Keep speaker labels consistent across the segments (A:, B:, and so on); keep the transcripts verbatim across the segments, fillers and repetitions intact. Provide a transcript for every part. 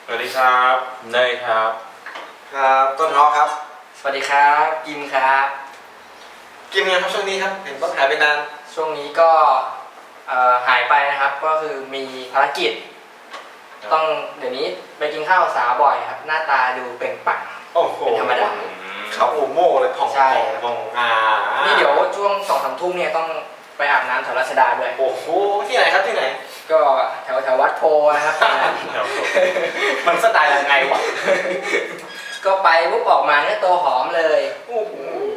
A: สวัสดีครับเนยครับ
B: ครับต้นฮอครับ
C: สวัสดีครับกิมครับ
B: กิมยังครับช่วงนี้ครับเห็นต้นหายไปนาน
C: ช่วงนี้ก็หายไปนะครับก็คือมีภารกิจต้องเดี๋ยวนี้ไปกินข้าวสาวบ่อยครับหน้าตาดูเปล่งปลั่ง
B: โอ้โห
C: เป็นธรรมดา
B: เขาโอโม่เลยผ่องผ่องผ่องอ่า
C: นี่เดี๋ยวช่วงสองสามทุ่มเนี่ยต้องไปอาบน้ำแถวรัชดาด้วย
B: โอ้โหที่ไหนครับที่ไหน
C: ก็แถวแถววัดโพนะครับ
B: มันสไตล์ยังไงวะ
C: ก็ไปปุ๊บออกมาเนี่ยตัวหอมเลย
B: โอ้โห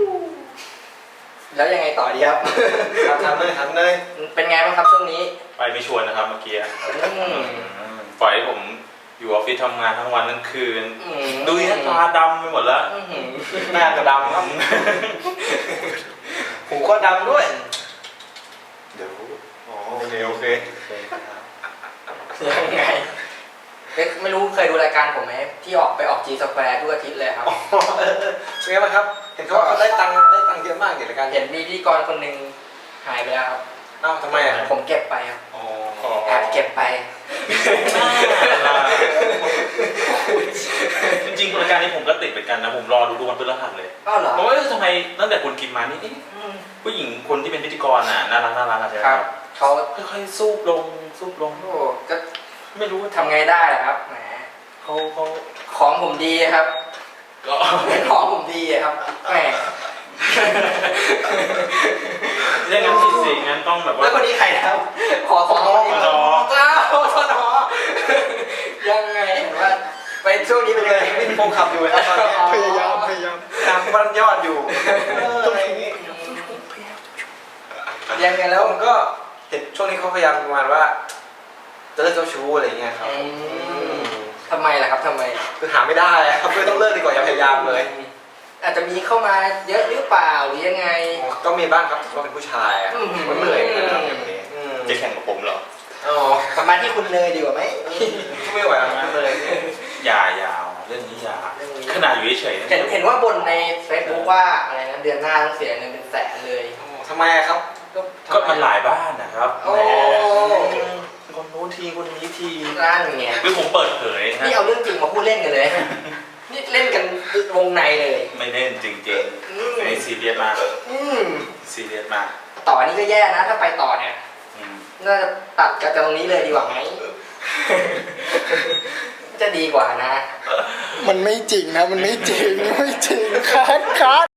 C: แล้วยังไงต่อดีครับ
B: ทำเลยทำเลย
C: เป็นไงบ้างครับช่วงนี้
A: ไปไม่ชวนนะครับเมื่อกี้ปล่อยให้ผมอยู่ออฟฟิศทำงานทั้งวันทั้งคืนดูหน้าตาดำไปหมดแล้ว
B: หน้าก็ดำครับหูก็ดำด้วยเดี๋ยวอ๋อโอเคโอเค
C: ยังไงไม่รู้เคยดูรายการผมไหมที่ออกไปออกจีสแควร์ทุกอาทิตย์เลยครับ
B: เป็นไงบ้างครับเห็นเขาได้ตังค์ได้ตังค์เยอะมากในรายการ
C: เห็นมีพิธีกรคนหนึ่งหายไปแล้วครับ
B: อ้าวทำไมอ่ะ
C: ผมเก็บไปครับแอบเก็บไป
A: จริงๆรายการนี้ผมก็ติดเหมือนกันนะผมรอดูดูวันพฤหัสเลย
C: อ้าวเหรอ
A: ผมว่าทำไมตั้งแต่คุณกินมานี่ผู้หญิงคนที่เป็นพิธีกรน่ะน่ารักน่ารักอะไร
C: ครับเขา
A: ค่อยๆซูบลงซูบลง
C: โอ้ก็
A: ไม่รู้
C: ทำไงได้ล่ะครับแหม
A: เขาเขา
C: ของผมดีครับ
A: ก็
C: ของผมดีครับแหม
A: อย่างนั้นผิดสิงั้นต้องแบบว่า
C: แล้วคนนี้ใครครับขอขอขอเจ้าขอขอยังไงเห็นว่าไปช่วงนี้เป็นเลย
B: วิ่งโฟขับอยู่ครับตอนนี้พยายามพยายามตามบ้านยอดอยู่อะไรอย่างงี้
C: ยังไงแล้ว
B: ก็เห็นช่วงนี้เขาพยายามประมาณว่าจะเลิกเจ้าชู้อะไรเงี้ยครับ
C: ทำไมล่ะครับทำไม
B: คือหาไม่ได้ครับเลยต้องเลิกดีกว่าอย่าพยายามเลย
C: อาจจะมีเข้ามาเยอะหรือเปล่าหรือยังไง
B: ก็มีบ้างครับก็เป็นผู้ชายอ่ะมันเหนื่อยนะครับแบบนี้
A: จะแข่งกับผมเหรอ
C: อ๋อกลับมาที่คุณเลยดีกว่าไหม
B: ไม่ไหวแล้วเลย
A: อย่าอย่าเรื่องนี้อย่าขนาดอยู่เฉย
C: เห็นเห็นว่าบนในเฟซบุ๊กว่าอะไรนะเดือนหน้าต้องเสียเงินเป็นแสนเลย
B: ทำไมครับ
A: ก็มันหลายบ้านนะครับ
C: โอ้
A: คนโน้นทีคนนี้ที
C: ร้านเงี้ย
A: คือผมเปิดเผย
C: นี่เอาเรื่องจริงมาพูดเล่นกันเลยนี่เล่นกันวงในเลย
A: ไม่เล่นจริงๆไม่ซีเรียสมากซีเรียสมาก
C: ต่อนี้ก็แย่นะถ้าไปต่อเนี่ยน่าจะตัดกันตรงนี้เลยดีกว่าไหมจะดีกว่านะ
D: มันไม่จริงนะมันไม่จริงไม่จริงคัดคัด